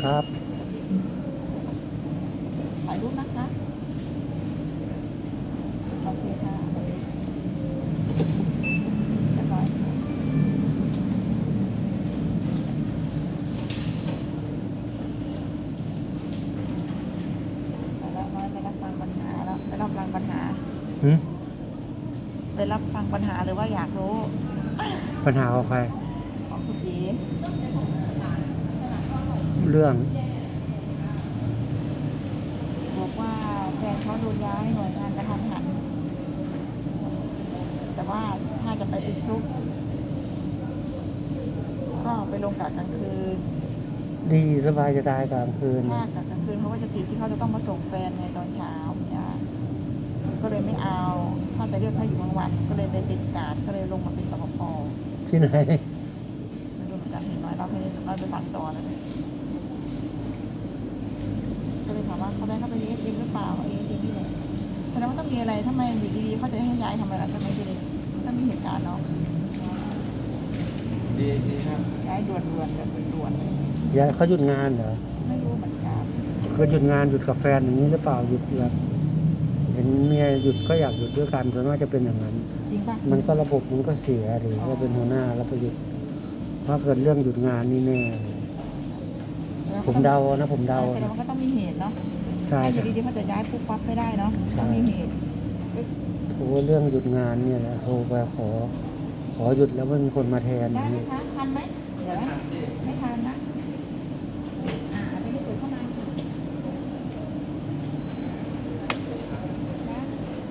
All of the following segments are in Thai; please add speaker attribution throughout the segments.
Speaker 1: ครับ
Speaker 2: ถ่ายรูปนะคะโอเคค่ะเรียบร้อยค่ะไปแล้วน้อยไปรับฟังปัญหาแล้วไปรับฟังปัญหา
Speaker 1: หืม
Speaker 2: ไปรับฟังปัญหาหรือว่าอยากรู้
Speaker 1: ปัญหาของใคร
Speaker 2: ของคุณอี
Speaker 1: เรื่อง
Speaker 2: บอกว่าแฟนเขาโดนย้ายหน่วยงานกระทันหันแต่ว่าถ้าจะไปติดซุกก็ไปลงกะกลางคืน
Speaker 1: ดีสบายจะตายกลางคืน
Speaker 2: ถ้ากะกลางคืนเขาก็จะติดที่เขาจะต้องมาส่งแฟนในตอนเช้าเนี่ยก็เลยไม่เอาถ้าจะเลือกให้อยู่กลางวัน ก็เลยไปติดกาดก็เลยลงมาเป็นปภป.
Speaker 1: ที่ไหน
Speaker 2: ไม่รู้เหมือนกันเห็นน้อยเราไปฟังต่อแล้วเนี่ยก็เลยถามว่าเขาได้เข้าไปเอสเอ็มหรือเปล่าเอสเอ็มนี่แหละแสดงว่าต้องมีอะไรทำไมอยู่ดีๆเขาจะให้ย้ายทำไมล่ะใช่ไหมพี่เล็กมันต้องมีเหตุการณ์เนาะ
Speaker 3: ดีครับ
Speaker 2: ย้ายด่วนๆแบบด่วนๆเลย
Speaker 1: ยายเขาหยุดงานเหรอ
Speaker 2: ไม่รู้เหมือนกัน
Speaker 1: เขาหยุดงานหยุดกับแฟนอย่างนี้หรือเปล่าหยุดแบบเห็นเมียหยุดก็อยากหยุดด้วยกันส่วนมากจะเป็นอย่างนั้น
Speaker 2: จริงป่ะ
Speaker 1: มันก็ระบบมันก็เสียหรือว่าเป็นหัวหน้าแล้วไปหยุดเพราะเกิดเรื่องหยุดงานนี่แน่เลยผมเดานะผมเดา
Speaker 2: แสดงว่าก็ต้องมีเหตุเนาะ
Speaker 1: ใช่
Speaker 2: ไม่อ
Speaker 1: ใช่
Speaker 2: ยู่ดีๆเขาจะย้ายปุ๊บปั๊บไม่ได้เนาะ
Speaker 1: ใช่
Speaker 2: ต้องมีเหตุ
Speaker 1: โอ้เรื่องหยุดงานเนี่ยแหละโทรไปขอหยุดแล้วไม่มีคนมาแทนอ
Speaker 2: ได้
Speaker 1: ย่าง
Speaker 2: ไหม
Speaker 1: นี้
Speaker 2: คะทันไหมเดี๋ยวนะไม่ทันนะไม่ได้เปิดเข้ามาค่ะนะ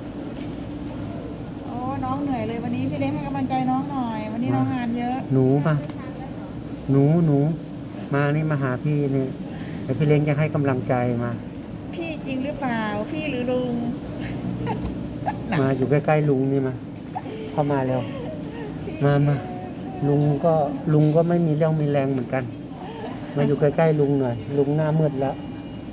Speaker 2: โอ้น้องเหนื่อยเลยวันนี้พี่เล้งให้กำลังใจน้องหน่อย วันนี้น้องงานเยอะ
Speaker 1: หนูมาหนูมานี่มาหาพี่นี่เดี๋ยวพี่เล้งจะให้กำลังใจมา
Speaker 2: พี่จริงหรือเปล่าพี่หรือลุง
Speaker 1: มาอยู่ใกล้ๆลุงนี่มาเข้ามาแล้วมาลุงก็ไม่มีเรี่ยวมีแรงเหมือนกัน มาอยู่ใกล้ๆลุงหน่อยลุงหน้ามืดแล้ว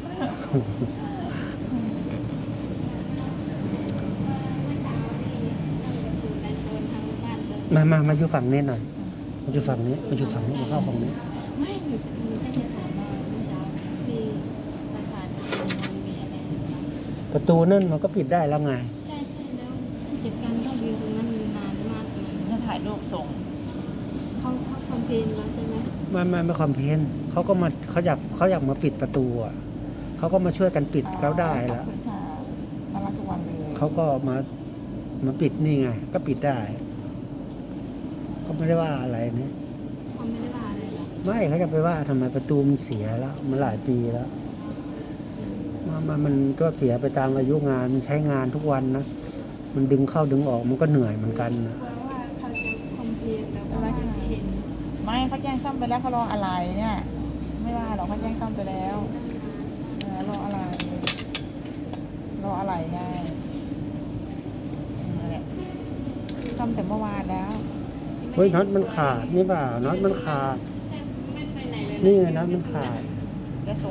Speaker 1: มาอยู่ฝั่งนี้หน่อยมาอยู่ฝั่งนี้มาอยู่ฝั่งนี้มาเข้าฝั่งนี้
Speaker 4: ไม่หนูแค่จะถามว่าเมื่อเช้าที่ประธานมันมีอะไรหรือเปล่า
Speaker 1: ประตูนั่นมันก็ปิดได้แล้วไง
Speaker 4: ใช่แล้วผู้จัดการก็ยืนตรงนั้นนานมากเลย
Speaker 2: จะถ่ายรูปส่ง
Speaker 4: เขาคอมเพลนแล้วใช่ไหม
Speaker 1: ไม่คอมเพลนเขาก็มาเขาอยากมาปิดประตูอ่ะเขาก็มาช่วยกันปิดเขาได้
Speaker 2: ขอบ
Speaker 1: แล้ว
Speaker 2: คุณค่ะน่ารักทุกวันเลย
Speaker 1: เขาก็มาปิดนี่ไง ก็ปิดได้เขาไม่ได้ว่าอะไรเนี่ย
Speaker 4: เขาไม่ได้ว่าอะไรหรอก
Speaker 1: ไม่เขาจะไปว่าทำไมประตูมันเสียแล้วมันหลายปีแล้วมันก็เสียไปตามอายุงานมันใช้งานทุกวันนะมันดึงเข้าดึงออกมันก็เหนื่อยเหมือนกันนะ
Speaker 4: เพราะว่าเขาจะคอมเพลนแล้วก็ว่าเห็น
Speaker 2: ไม่เขาแจ้งซ่อมไปแล้วเขารออะไรเนี่ย ไม่ว่าหรอกเขาแจ้งซ่อมไปแล้วรออะไรไงนั่นแหละซ่อมแต่เมื่อวานแล้ว
Speaker 1: เฮ้ยน็อตมันขาดนี่เปล่าน็อตมันขาด
Speaker 4: ใช่ไม่ไปไหนเลย
Speaker 1: นี่ไงน็อตมันขาด
Speaker 2: จะส่ง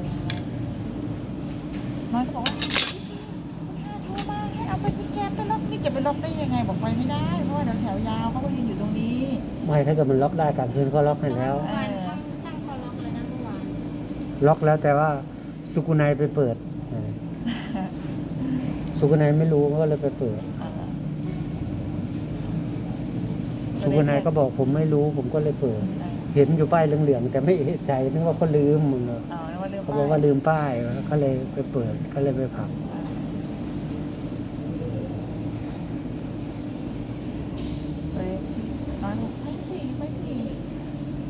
Speaker 2: น้อยก็บอกว่าโทรมาให้เอาไปที่แกมไปล็อกนี่จะไปล็อกได้ยังไงบอกไปไม่ได้เพราะว่าเดี๋ยวแถวยาวเขาก็ยืนอยู่ตรงนี้
Speaker 1: ไม่ถ้าเกิดมันล็อกได้กลางคืนก็ล็อกให้แล้ว
Speaker 4: เมื่อวานช่างเขาล็อกเลยนะเมื่อวาน
Speaker 1: ล็อกแล้วแต่ว่าสุกุนัยไปเปิดสุกุนัยไม่รู้ก็เลยไปเปิดสุกุนัยก็บอกผมไม่รู้ผมก็เลยเปิด เห็นอยู่ป้ายเหลืองๆแต่ไม่เอะใจนึกว่าเขาลืมมึง
Speaker 2: อ๋อนึกว่าลืม
Speaker 1: เขาบอกว่าลืมป้ายก็เลยไปเปิดก็เลยไปผลัก
Speaker 2: อ๋